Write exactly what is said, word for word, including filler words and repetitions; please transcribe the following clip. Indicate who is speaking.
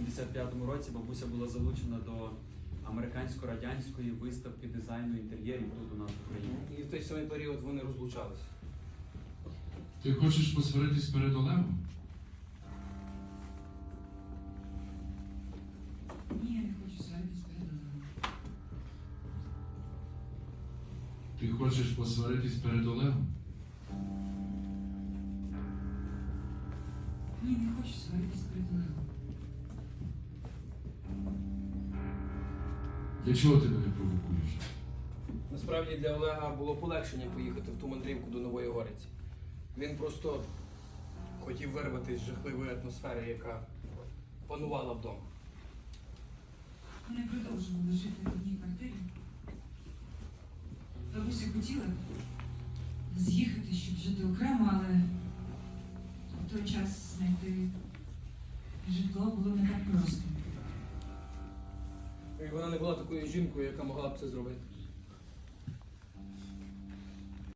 Speaker 1: сімдесят п'ятому році бабуся була залучена до американсько-радянської виставки дизайну інтер'єрів тут у нас в Україні.
Speaker 2: І в той самий період вони розлучалися.
Speaker 3: Ти хочеш посваритись перед Олегом?
Speaker 4: Ні, я не хочу сваритись перед Олегом.
Speaker 3: Ти хочеш посваритись перед Олегом?
Speaker 4: Ні, не хочу сваритись перед Олегом.
Speaker 3: Для чого ти мене провокуєш?
Speaker 2: Насправді для Олега було полегшення поїхати в ту мандрівку до Нової Гориці. Він просто хотів вирватися з жахливої атмосфери, яка панувала вдома.
Speaker 4: Вони продовжували жити в одній квартирі. Бабуся хотіла з'їхати, щоб жити окремо, але в той час знайти житло було не так просто.
Speaker 2: І вона не була такою жінкою, яка могла б це зробити.